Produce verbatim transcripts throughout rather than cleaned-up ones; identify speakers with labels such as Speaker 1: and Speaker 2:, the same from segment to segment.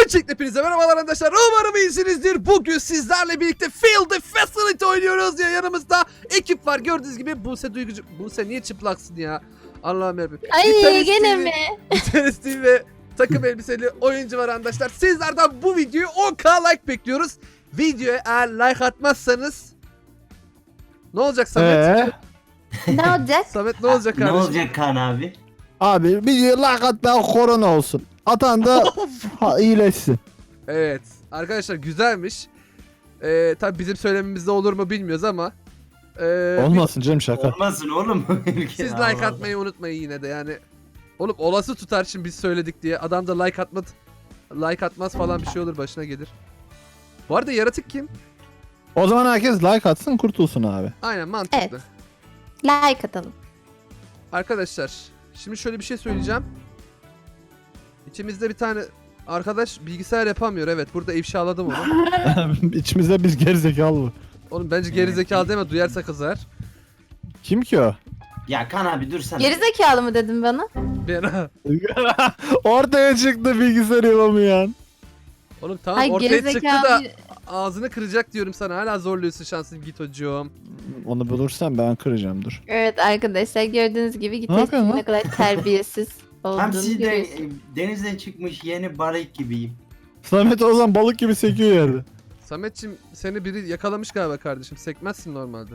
Speaker 1: Öncelikle hepinize merhabalar arkadaşlar. Umarım iyisinizdir. Bugün sizlerle birlikte Field the Facility oynuyoruz ya. Yanımızda ekip var. Gördüğünüz gibi Buse Duygucu. Buse niye çıplaksın ya? Allah'ım yarabbim.
Speaker 2: Ay gene mi?
Speaker 1: Gitarist ve takım elbiseli oyuncu var arkadaşlar. Sizlerden bu videoyu on bin like bekliyoruz. Videoya eğer like atmazsanız ne olacak Samet?
Speaker 3: Ee?
Speaker 2: Ne olacak?
Speaker 1: Samet ne olacak
Speaker 4: Ne
Speaker 1: kardeşim?
Speaker 4: olacak Kaan abi?
Speaker 3: Abi bir like atmayan korona olsun. Atan da ha, iyileşsin.
Speaker 1: Evet. Arkadaşlar güzelmiş. Ee, tabi bizim söylememizde olur mu bilmiyoruz ama. Ee,
Speaker 3: Olmasın canım şaka.
Speaker 4: Olmasın oğlum.
Speaker 1: Siz like atmayı unutmayın yine de yani. Oğlum olası tutar şimdi biz söyledik diye. Adam da like atmaz. Like atmaz falan bir şey olur başına gelir. Bu arada yaratık kim?
Speaker 3: O zaman herkes like atsın kurtulsun abi.
Speaker 1: Aynen mantıklı.
Speaker 2: Evet. Like atalım.
Speaker 1: Arkadaşlar şimdi şöyle bir şey söyleyeceğim. İçimizde bir tane arkadaş bilgisayar yapamıyor. Evet burada ifşaladım onu.
Speaker 3: İçimizde biz gerizekalı mı?
Speaker 1: Oğlum bence gerizekalı deme duyarsa kızar.
Speaker 3: Kim ki o?
Speaker 4: Ya Kaan abi dur sen.
Speaker 2: Gerizekalı mı dedin bana?
Speaker 1: Ben
Speaker 3: Ortaya çıktı bilgisayar yapamayan.
Speaker 1: Oğlum tamam
Speaker 2: Ay
Speaker 1: ortaya çıktı
Speaker 2: gerizekalı.
Speaker 1: da ağzını kıracak diyorum sana. Hala zorluyorsun şansın git hocam.
Speaker 3: Onu bulursan ben kıracağım dur.
Speaker 2: Evet arkadaşlar gördüğünüz gibi
Speaker 3: yapıyorsun
Speaker 2: gitarist
Speaker 3: lan?
Speaker 2: ne kadar terbiyesiz
Speaker 4: Hem
Speaker 2: olduğunu
Speaker 4: siz de
Speaker 2: görüyorsunuz.
Speaker 4: e, denizden çıkmış yeni balık gibiyim.
Speaker 3: Samet o zaman balık gibi sekiyor yerde.
Speaker 1: Sametçim seni biri yakalamış galiba kardeşim. Sekmezsin normalde.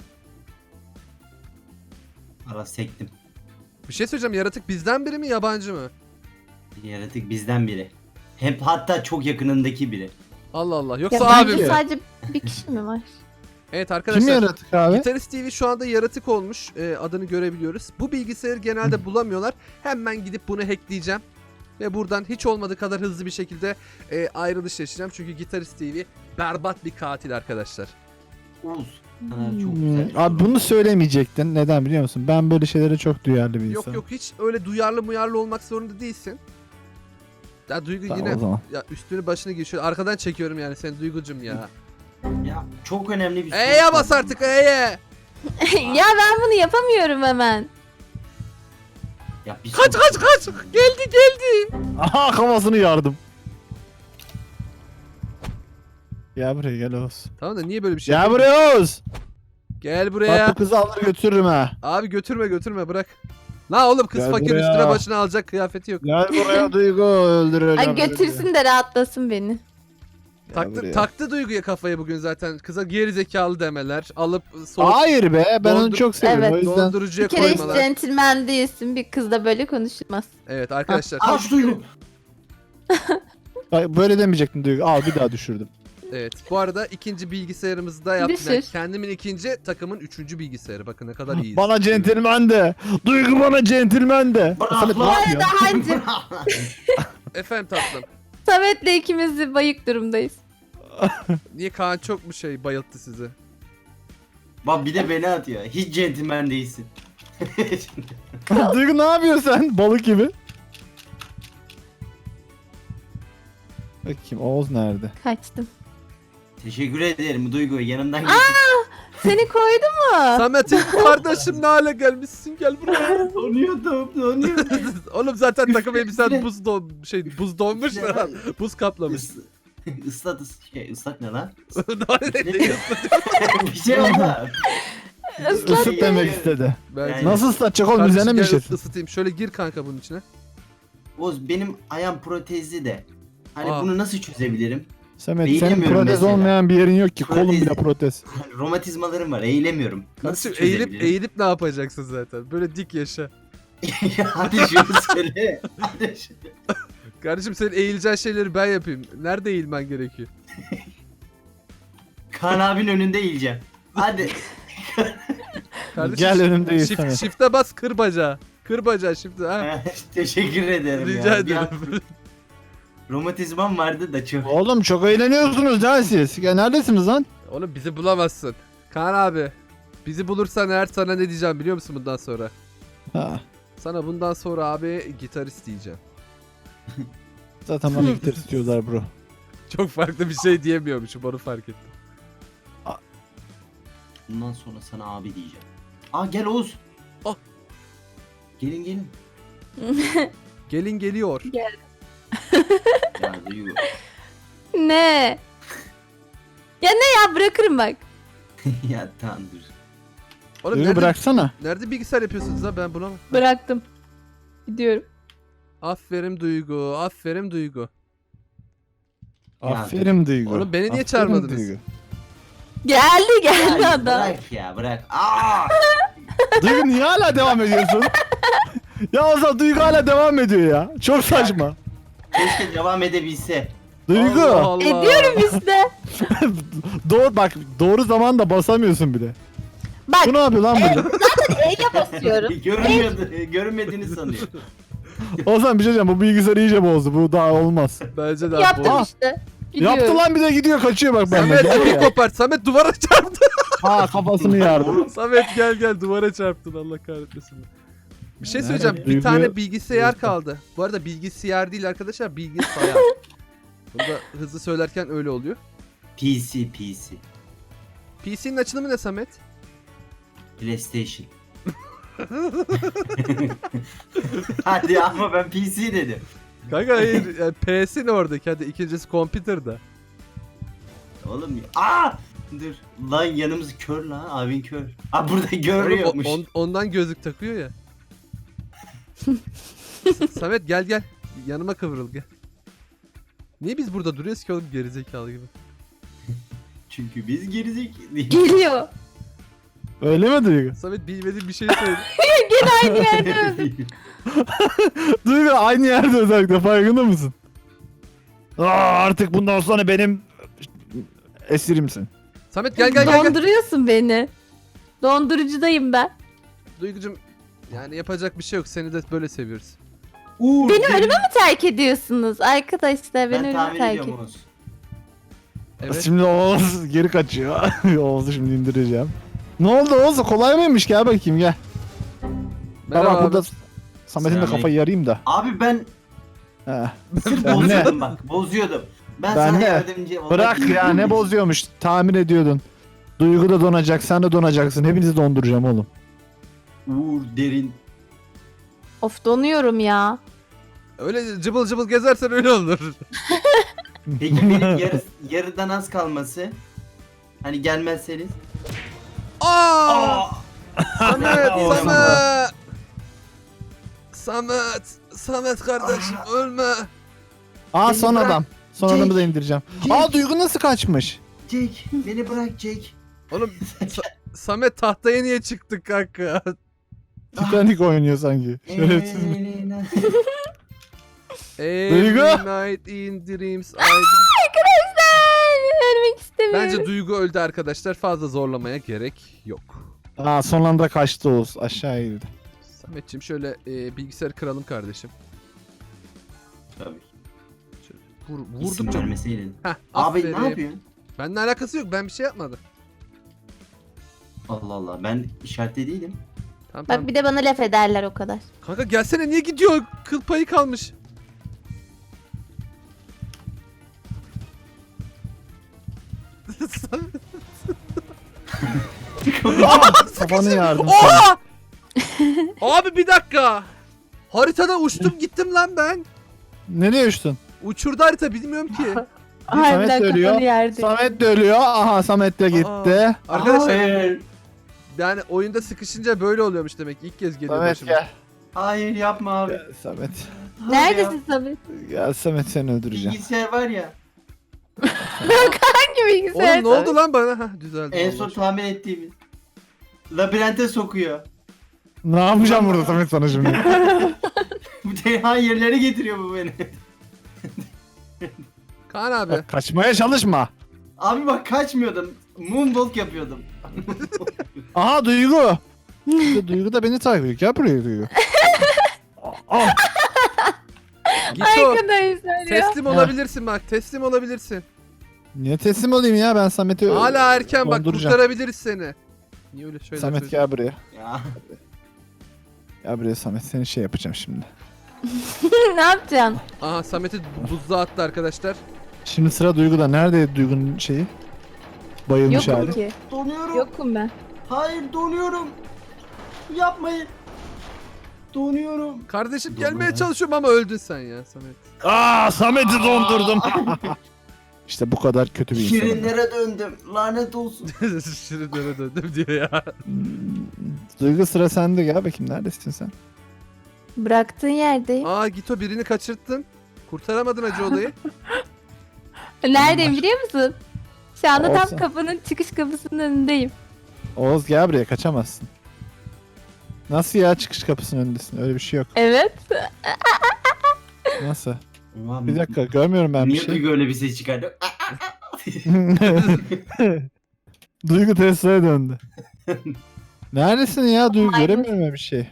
Speaker 4: Ara sektim.
Speaker 1: Bir şey söyleyeceğim. Yaratık bizden biri mi yabancı mı?
Speaker 4: Yaratık bizden biri. Hep hatta çok yakınındaki biri.
Speaker 1: Allah Allah.
Speaker 2: Ya
Speaker 1: Yoksa
Speaker 2: bence
Speaker 1: abi mi?
Speaker 2: sadece bir kişi mi var?
Speaker 1: Evet
Speaker 3: Kim
Speaker 1: arkadaşlar.
Speaker 3: yaratık abi?
Speaker 1: Gitarist T V şu anda yaratık olmuş. Ee, adını görebiliyoruz. Bu bilgisayarı genelde bulamıyorlar. Hemen gidip bunu hackleyeceğim. Ve buradan hiç olmadığı kadar hızlı bir şekilde e, ayrılış yaşayacağım. Çünkü Gitarist T V berbat bir katil arkadaşlar.
Speaker 4: Oğuz. Kaan abi çok
Speaker 3: Hmm,
Speaker 4: güzel.
Speaker 3: Abi bunu söylemeyecektin. Neden biliyor musun? Ben böyle şeylere çok duyarlı bir
Speaker 1: Yok
Speaker 3: insanım.
Speaker 1: yok hiç öyle duyarlı muyarlı olmak zorunda değilsin. Ya Duygu
Speaker 3: Tamam,
Speaker 1: yine
Speaker 3: o zaman.
Speaker 1: ya üstünü başını giy. Şöyle arkadan çekiyorum yani seni Duygucum ya.
Speaker 4: Ya çok önemli bir soru.
Speaker 1: E'ye bas artık E'ye.
Speaker 2: Ya ben bunu yapamıyorum hemen.
Speaker 4: Ya bir
Speaker 1: Kaç
Speaker 4: soru-
Speaker 1: kaç kaç. Geldi geldi.
Speaker 3: Aha kafasını yardım. Gel buraya gel Oğuz.
Speaker 1: Tamam da niye böyle bir şey
Speaker 3: Gel
Speaker 1: yapıyorsun?
Speaker 3: buraya Oğuz.
Speaker 1: Gel
Speaker 3: Bak
Speaker 1: buraya.
Speaker 3: bu kızı alır götürürüm ha.
Speaker 1: Abi götürme götürme bırak. La oğlum kız
Speaker 3: Gel
Speaker 1: fakir
Speaker 3: buraya.
Speaker 1: üstüne başına alacak kıyafeti yok.
Speaker 3: Gel buraya Duygu öldüreceğim.
Speaker 2: Ay
Speaker 3: seni.
Speaker 2: götürsün de rahatlasın beni.
Speaker 3: Gel
Speaker 1: Taktı,
Speaker 3: buraya.
Speaker 1: taktı Duygu'ya kafayı bugün zaten. Kıza geri zekalı demeler. Alıp soğuk
Speaker 3: Hayır be ben onu
Speaker 1: Dondur-
Speaker 3: çok seviyorum
Speaker 2: Evet.
Speaker 3: o yüzden.
Speaker 1: dondurucuya
Speaker 2: Bir kere hiç
Speaker 1: koymalar.
Speaker 2: centilmen değilsin. Bir kızla böyle konuşulmaz.
Speaker 1: Evet arkadaşlar.
Speaker 4: Al şu Duygu.
Speaker 3: Ay, böyle demeyecektin Duygu al bir daha düşürdüm.
Speaker 1: Evet. Bu arada ikinci bilgisayarımızı da yaptım. Yani
Speaker 2: Düşür.
Speaker 1: kendimin ikinci takımın üçüncü bilgisayarı. Bakın ne kadar iyiyiz.
Speaker 3: Bana centilmen de. Duygu bana centilmen de.
Speaker 4: Bırak
Speaker 3: Samet ne
Speaker 4: lan.
Speaker 3: yapıyor?
Speaker 2: Daha önce
Speaker 1: Efendim tatlım.
Speaker 2: Samet'le ikimiz de bayık durumdayız.
Speaker 1: Niye Kaan çok mu şey bayılttı sizi?
Speaker 4: Bak bir de beni atıyor. Hiç centilmen değilsin.
Speaker 3: Duygu ne yapıyorsun sen balık gibi? Bakayım Oğuz nerede?
Speaker 2: Kaçtım.
Speaker 4: Teşekkür ederim Duygu yanımdan geçtin.
Speaker 2: Seni koydu mu?
Speaker 1: Samet'im kardeşim ne hale gelmişsin gel buraya.
Speaker 4: Donuyordum donuyordum.
Speaker 1: Oğlum zaten takım elbisen
Speaker 4: Üstüne-
Speaker 1: buz don şey buz donmuş
Speaker 4: Üstüne-
Speaker 1: lan. Buz kaplamış.
Speaker 4: Is ıslat ıs şey ıslak ne lan?
Speaker 1: Ne diyorsun?
Speaker 4: Bir şey oldu.
Speaker 2: Islak
Speaker 3: Isıt demek istedi.
Speaker 1: Bence-
Speaker 4: Yani-
Speaker 3: Nasıl ıslatacak oğlum
Speaker 1: Kardeşim
Speaker 3: üzerine mi
Speaker 1: gel
Speaker 3: işesin?
Speaker 1: ısıtayım. Şöyle gir kanka bunun içine.
Speaker 4: Oğuz benim ayağım protezli de. Hani
Speaker 1: Aa.
Speaker 4: bunu nasıl çözebilirim?
Speaker 3: Samet senin
Speaker 4: Eğilemiyorum
Speaker 3: protez
Speaker 4: mesela.
Speaker 3: olmayan bir yerin yok ki kolun
Speaker 4: Protez-
Speaker 3: bile protez.
Speaker 4: Romatizmalarım var eğilemiyorum. Nasıl
Speaker 1: Kardeşim eğilip
Speaker 4: çözebilirim?
Speaker 1: eğilip ne yapacaksın zaten? Böyle dik yaşa.
Speaker 4: Ya hadi şunu söyle. Hadi şunu.
Speaker 1: Kardeşim senin eğileceğin şeyleri ben yapayım. Nerede eğilmen gerekiyor?
Speaker 4: Kaan abinin önünde eğileceğim. Hadi.
Speaker 1: Kardeşim,
Speaker 3: Gel önümdeyiz
Speaker 1: shift,
Speaker 3: Samet.
Speaker 1: shift'e bas kır bacağı. Kır bacağı shift'e ha.
Speaker 4: Teşekkür ederim
Speaker 1: Rica
Speaker 4: ya. Bir an
Speaker 1: ederim.
Speaker 4: romatizmam vardı da çok.
Speaker 3: Oğlum çok eğleniyorsunuz lan siz. Ya neredesiniz lan?
Speaker 1: Oğlum bizi bulamazsın. Kaan abi. Bizi bulursan eğer sana ne diyeceğim biliyor musun bundan sonra?
Speaker 3: Ha,
Speaker 1: Sana bundan sonra abi gitarist diyeceğim.
Speaker 3: zaten bana gitar istiyorlar bro.
Speaker 1: Çok farklı bir şey diyemiyormuşum onu fark ettim.
Speaker 4: Bundan sonra sana abi diyeceğim. Aa gel Oğuz.
Speaker 1: Ah.
Speaker 4: Gelin gelin.
Speaker 1: Gelin geliyor.
Speaker 4: Ya Duygu.
Speaker 2: ne? Ya ne ya, bırakırım bak.
Speaker 4: Ya tamam dur.
Speaker 1: Oğlum
Speaker 3: Duygu
Speaker 1: nerede,
Speaker 3: bıraksana.
Speaker 1: nerede bilgisayar yapıyorsunuz ha, ben bulamadım.
Speaker 2: Bıraktım. Gidiyorum.
Speaker 1: Aferin Duygu, aferin Duygu.
Speaker 3: Aferin Duygu.
Speaker 1: Oğlum beni niye
Speaker 3: Aferin
Speaker 1: çağırmadınız?
Speaker 3: Duygu.
Speaker 2: Geldi geldi
Speaker 4: Ya
Speaker 2: adam.
Speaker 4: bırak ya bırak. Aa!
Speaker 3: Duygu niye hala devam ediyorsun? Ya o zaman Duygu hala devam ediyor ya. Çok saçma.
Speaker 4: Keşke devam edebilse.
Speaker 3: Duygu.
Speaker 1: Allah Allah.
Speaker 2: Ediyorum işte.
Speaker 3: Doğru bak, doğru zamanda basamıyorsun bile.
Speaker 2: Bak
Speaker 3: Bu ne yapıyor lan burada?
Speaker 2: E'ye basıyorum.
Speaker 4: Görünmüyordu, görünmediğini sanıyor.
Speaker 3: O zaman bir şey diyeceğim, bu bilgisayarı iyice bozdu. Bu daha olmaz.
Speaker 1: Bence de
Speaker 2: Yaptım
Speaker 1: bu.
Speaker 2: işte. Gidiyorum.
Speaker 3: Yaptı lan, bir de gidiyor kaçıyor bak benden.
Speaker 1: Samet
Speaker 3: Gel
Speaker 1: bir
Speaker 3: ya.
Speaker 1: kopart. Samet duvara çarptı.
Speaker 3: Ha, kafasını yardı.
Speaker 1: Samet gel gel duvara çarptın, Allah kahretmesin. Bir şey söyleyeceğim.
Speaker 3: Evet,
Speaker 1: Bir
Speaker 3: Duygu-
Speaker 1: tane bilgisayar
Speaker 3: Duygu.
Speaker 1: kaldı. Bu arada bilgisayar değil arkadaşlar, bilgisayar. Bunu da hızlı söylerken öyle oluyor.
Speaker 4: P C, P C.
Speaker 1: P C'nin açılımı ne Samet?
Speaker 4: PlayStation. Hadi ama ben P C dedim.
Speaker 1: Kanka hayır, yani P'si ne oradaki? Hadi ikincisi computer'da.
Speaker 4: Oğlum ya. Aa! Dur. Lan yanımız kör lan. Abin kör. Aa burada
Speaker 1: Oğlum,
Speaker 4: görüyormuş.
Speaker 1: o- on- ondan gözlük takıyor ya. Samet gel gel. Yanıma kıvrıl gel. Niye biz burada duruyoruz ki oğlum, gerizekalı gibi?
Speaker 4: Çünkü biz gerizekalıyız.
Speaker 2: Geliyor.
Speaker 3: Öyle mi Duygu?
Speaker 1: Samet bilmediğin bir şey söyle.
Speaker 2: Aynı yerde öldüm.
Speaker 3: Duygu aynı yerde özellikle, farkında mısın? Aa, artık bundan sonra benim esirimsin.
Speaker 1: Samet gel gel gel. gel.
Speaker 2: Donduruyorsun beni. Dondurucudayım ben.
Speaker 1: Duygucum, yani yapacak bir şey yok. Seni de böyle seviyoruz.
Speaker 4: Uğur,
Speaker 2: Beni
Speaker 4: benim-
Speaker 2: ölüme mi terk ediyorsunuz? Arkadaşlar beni
Speaker 4: Ben
Speaker 2: ölüme
Speaker 4: tahmin
Speaker 2: terk
Speaker 4: ediyorum
Speaker 2: ediyorsunuz.
Speaker 4: Oğuz.
Speaker 1: Evet.
Speaker 3: Şimdi Oğuz geri kaçıyor. Oğuz'u şimdi indireceğim. Ne oldu Oğuz? Kolay mıymış? Gel bakayım gel.
Speaker 1: Merhaba
Speaker 3: Bak
Speaker 1: abi.
Speaker 3: burada Samet'in de
Speaker 4: Selam.
Speaker 3: kafayı yarayım da.
Speaker 4: Abi ben
Speaker 3: He.
Speaker 4: sırf
Speaker 3: Ben ne?
Speaker 4: bozuyordum bak. Bozuyordum. Ben,
Speaker 3: Ben
Speaker 4: sana
Speaker 3: ne?
Speaker 4: yardımcı olmak
Speaker 3: Bırak ya, ne bozuyormuş. Tahmin ediyordun. Duygu da donacak, sen de donacaksın. Hepinizi donduracağım oğlum.
Speaker 4: Uğur derin.
Speaker 2: Of, donuyorum ya.
Speaker 1: Öyle cıbıl cıbıl gezersen öyle olur.
Speaker 4: Peki benim yarı, yarıdan az kalması. Hani gelmezseniz.
Speaker 1: Aa!
Speaker 4: Aa!
Speaker 1: Samet,
Speaker 3: Aa,
Speaker 1: Samet. Samet, Samet kardeşim ölme.
Speaker 3: Aa,
Speaker 4: Beni
Speaker 3: son
Speaker 4: bırak.
Speaker 3: adam. Son
Speaker 4: Jake.
Speaker 3: adamı da indireceğim.
Speaker 4: Jake.
Speaker 3: Aa, Duygu nasıl kaçmış?
Speaker 4: Jake beni bırak Jake.
Speaker 1: Oğlum Sa- Samet tahtaya niye çıktık kanka?
Speaker 3: Titanic oynuyor sanki. Şerefsiz.
Speaker 1: Every
Speaker 3: Duygu.
Speaker 1: night in dreams I...
Speaker 2: Arkadaşlar ölmek istemiyorum.
Speaker 1: Bence Duygu öldü arkadaşlar. Fazla zorlamaya gerek yok.
Speaker 3: Aa, son anda kaçtı Oğuz. Aşağı girdi.
Speaker 1: Sametçim şöyle e, bilgisayarı kıralım kardeşim.
Speaker 4: Tabii.
Speaker 1: Vur,
Speaker 4: İsim
Speaker 1: vurdukça...
Speaker 4: vermeseydin.
Speaker 1: Heh,
Speaker 4: Abi
Speaker 1: aferin.
Speaker 4: ne yapıyorsun?
Speaker 1: Benimle alakası yok. Ben bir şey yapmadım.
Speaker 4: Allah Allah ben işaretli değilim.
Speaker 1: Tamam tamam.
Speaker 2: Bak bir de bana laf ederler o kadar.
Speaker 1: Kanka gelsene, niye gidiyor? Kıl payı kalmış.
Speaker 3: Kafanı yardım.
Speaker 1: Oha! Abi bir dakika. Haritada uçtum gittim lan ben.
Speaker 3: Nereye uçtun?
Speaker 1: Uçurdu harita, bilmiyorum ki.
Speaker 2: Harbiden
Speaker 3: ölüyor.
Speaker 2: kafanı yerdi.
Speaker 3: Samet de ölüyor. Aha, Samet de gitti.
Speaker 1: Arkadaşlar
Speaker 4: Hayır.
Speaker 1: yani oyunda sıkışınca böyle oluyormuş demek. İlk kez geliyor
Speaker 3: Samet
Speaker 1: başıma.
Speaker 3: gel.
Speaker 4: Hayır yapma abi.
Speaker 3: Gel Samet.
Speaker 2: Neredesin Samet?
Speaker 3: Gel Samet, seni öldüreceğim.
Speaker 4: Bilgisayar var ya.
Speaker 2: Hangi bilgisayar?
Speaker 1: Oğlum ne oldu lan bana? Hah, düzeldi.
Speaker 4: En
Speaker 1: vallahi.
Speaker 4: son tahmin ettiğimiz. Labirente sokuyor.
Speaker 3: Ne yapacağım burada Samet sana şimdi?
Speaker 4: Bu Teyhan yerlere getiriyor bu beni.
Speaker 1: Kaan abi.
Speaker 3: Bak, kaçmaya çalışma.
Speaker 4: Abi bak kaçmıyordum. Moonwalk yapıyordum.
Speaker 3: Aha, Duygu. İşte Duygu da beni takip ediyor. Gel buraya Duygu. Aa,
Speaker 1: Git o.
Speaker 2: Arkadaşlar ya.
Speaker 1: Teslim olabilirsin bak. Teslim olabilirsin.
Speaker 3: niye teslim olayım ya, ben Samet'i
Speaker 1: Hala erken bak,
Speaker 3: donduracağım.
Speaker 1: kurtarabiliriz seni. Niye öyle şeyler
Speaker 3: Samet
Speaker 1: söylüyorsun?
Speaker 3: gel buraya.
Speaker 4: Ya.
Speaker 3: Gel buraya Samet, seni şey yapacağım şimdi.
Speaker 2: Ne yapacaksın?
Speaker 1: Aha, Samet'i buzluğa attı arkadaşlar.
Speaker 3: Şimdi sıra Duygu'da. Nerede Duygu'nun şeyi? Bayılmış
Speaker 2: Yokum
Speaker 3: hali.
Speaker 2: ki.
Speaker 4: Donuyorum.
Speaker 2: Yokum ben.
Speaker 4: Hayır donuyorum. Yapmayın. Donuyorum.
Speaker 1: Kardeşim
Speaker 3: Doğru
Speaker 1: gelmeye
Speaker 3: ya.
Speaker 1: çalışıyorum ama öldün sen ya Samet.
Speaker 3: Aa, Samet'i dondurdum. İşte bu kadar kötü bir insanım.
Speaker 4: Şirinlere döndüm. Lanet olsun.
Speaker 1: Şirinlere döndüm diyor ya.
Speaker 3: Hmm, Duygu sıra sende, gel bakayım neredesin sen?
Speaker 2: Bıraktığın yerdeyim.
Speaker 1: Aa Gito birini kaçırttın. Kurtaramadın acı olayı.
Speaker 2: Neredeyim biliyor musun? Şu anda
Speaker 3: Olsun.
Speaker 2: tam kapının çıkış kapısının önündeyim.
Speaker 3: Oğuz gel buraya, kaçamazsın. Nasıl ya, çıkış kapısının önündesin? Öyle bir şey yok.
Speaker 2: Evet.
Speaker 3: Nasıl?
Speaker 4: Ulan,
Speaker 3: Bir dakika, görmüyorum ben bir
Speaker 4: Niye
Speaker 3: şey.
Speaker 4: Duygu öyle bir ses çıkardı?
Speaker 3: Duygu Tesla'ya döndü. Neredesin ya Duygu?
Speaker 2: Maymun.
Speaker 3: Göremiyorum ben bir şey.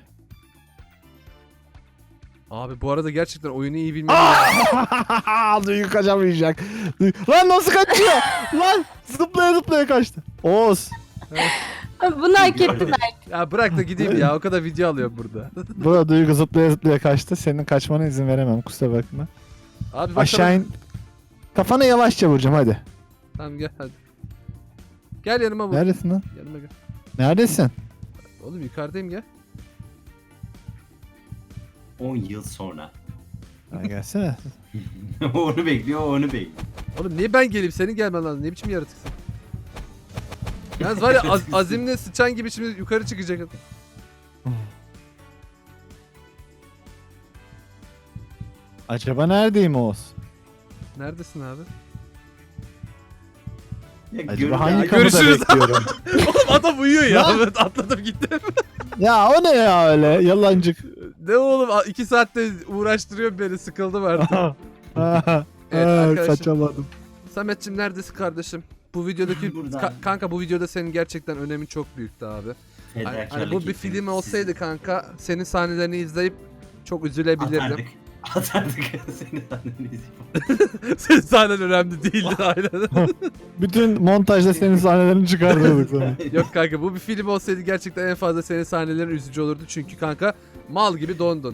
Speaker 1: Abi bu arada gerçekten oyunu iyi bilmem lazım.
Speaker 3: Duygu kaçamayacak. Duygu- Lan nasıl kaçıyor? Lan zıplaya zıplaya kaçtı. Oğuz.
Speaker 2: Bunu hak ettim ben.
Speaker 1: Ya bırak da gideyim ya. O kadar video alıyorum burada.
Speaker 3: Burada Duygu zıplaya zıplaya kaçtı. Senin kaçmana izin veremem, kusura bakma.
Speaker 1: Abi bak
Speaker 3: Aşağı in. Kafana yavaşça vuracağım hadi.
Speaker 1: Tamam gel hadi. Gel yanıma vur.
Speaker 3: Neredesin lan?
Speaker 1: Yanıma gel.
Speaker 3: Neredesin?
Speaker 1: Oğlum yukarıdayım gel.
Speaker 4: on yıl sonra.
Speaker 3: Ha, gelsene.
Speaker 4: onu bekliyor, onu bekliyor.
Speaker 1: Oğlum niye ben geleyim senin gelmen lazım. Ne biçim yaratıksın? Yalnız var ya az, azimle sıçan gibi şimdi yukarı çıkacak.
Speaker 3: Acaba neredeyim Oğuz?
Speaker 1: Neredesin abi?
Speaker 4: Ya
Speaker 3: Acaba
Speaker 4: görün-
Speaker 3: hangi
Speaker 1: Ya,
Speaker 3: kapıda
Speaker 1: görüşürüz.
Speaker 3: bekliyorum?
Speaker 1: Oğlum adam uyuyor ya.
Speaker 3: Lan!
Speaker 1: Evet, atladım gittim.
Speaker 3: Ya o ne ya öyle yalancık.
Speaker 1: Ne oğlum a- iki saatte uğraştırıyor beni, sıkıldım artık.
Speaker 3: Ha,
Speaker 1: Evet,
Speaker 3: ha,
Speaker 1: arkadaşlar.
Speaker 3: kaçamadım.
Speaker 1: Sametçim neredesin kardeşim? Bu videodaki
Speaker 4: Buradan.
Speaker 1: Ka- kanka bu videoda senin gerçekten önemin çok büyüktü abi. Hani,
Speaker 4: Fedakarlık
Speaker 1: hani bu bir
Speaker 4: ettim.
Speaker 1: film olsaydı
Speaker 4: Siz-
Speaker 1: kanka senin sahnelerini izleyip çok üzülebilirdim.
Speaker 4: Atardık. Atardık seni annenizi.
Speaker 1: Senin sahnen önemli değildi aynen.
Speaker 3: Bütün montajda senin sahnelerini çıkartıyorduk sonra.
Speaker 1: Yok kanka bu bir film olsaydı gerçekten en fazla senin sahnelerin üzücü olurdu. Çünkü kanka mal gibi dondun.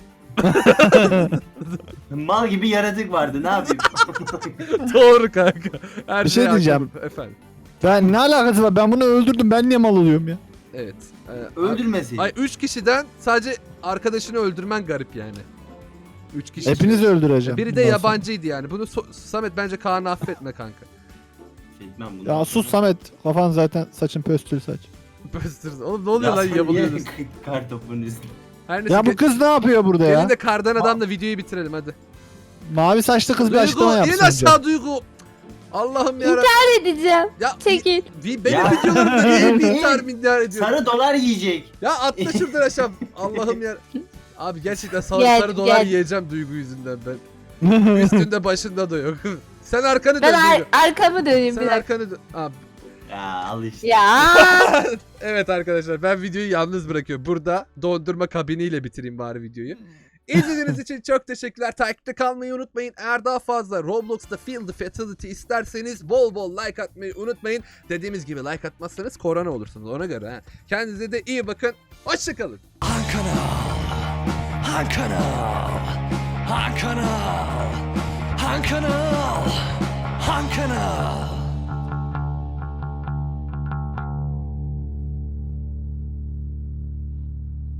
Speaker 4: Mal gibi yaratık vardı, ne yapayım?
Speaker 1: Doğru kanka. Her
Speaker 3: Bir şey
Speaker 1: şeye
Speaker 3: diyeceğim.
Speaker 1: hakimim. Efendim.
Speaker 3: Ben ne alakası var? Ben bunu öldürdüm. Ben niye mal oluyorum ya?
Speaker 1: Evet. Ee,
Speaker 4: Öldürmeseydin.
Speaker 1: Ay üç kişiden sadece arkadaşını öldürmen garip yani. Üç kişi.
Speaker 3: Hepinizi öldüreceğim.
Speaker 1: Biri de
Speaker 3: bundan sonra.
Speaker 1: yabancıydı yani. Bunu so- Samet bence Kaan'ı affetme kanka.
Speaker 4: Etmem bunu.
Speaker 3: Ya sus Samet. Kafan zaten saçın pöstül saç.
Speaker 1: Böstürüz. Oğlum ne oluyor lan
Speaker 4: Ya
Speaker 1: yabılıyorsunuz.
Speaker 4: niye kar topunun üstüne.
Speaker 1: Her neyse.
Speaker 3: Ya bu kız ne yapıyor burada
Speaker 1: Gelin
Speaker 3: ya?
Speaker 1: de kardan adamla videoyu bitirelim hadi.
Speaker 3: Mavi saçlı kız bir açıklama
Speaker 1: Duygu in
Speaker 3: yapsın. önce.
Speaker 1: aşağı Duygu. Allah'ım ya.
Speaker 2: Ne edeceğim?
Speaker 1: Ya
Speaker 2: Çekil.
Speaker 1: vi- benim
Speaker 4: Ya.
Speaker 1: videolarımda niye intihar milyar ediyor?
Speaker 4: Sarı dolar yiyecek.
Speaker 1: Ya atla şuradan aşağı. Allah'ım ya. Abi gerçekten sarı,
Speaker 2: Gel,
Speaker 1: sarı dolar
Speaker 2: gel.
Speaker 1: yiyeceğim Duygu yüzünden ben. Üstünde başında da yok. Sen arkanı dön
Speaker 2: Ben ar-
Speaker 1: Duygu.
Speaker 2: arkamı döneyim
Speaker 1: Sen
Speaker 2: bir dakika.
Speaker 1: arkanı dön. Abi.
Speaker 4: Ya al işte.
Speaker 2: Ya.
Speaker 1: Evet arkadaşlar ben videoyu yalnız bırakıyorum. Burada dondurma kabiniyle bitireyim bari videoyu. İzlediğiniz için çok teşekkürler. Takipte kalmayı unutmayın. Eğer daha fazla Roblox'ta Feel the Fatality isterseniz bol bol like atmayı unutmayın. Dediğimiz gibi like atmazsanız korona olursunuz ona göre. Ha. Kendinize de iyi bakın. Hoşçakalın.
Speaker 5: Han kanal. Han kanal. Han kanal. Han kanal. Han kanal.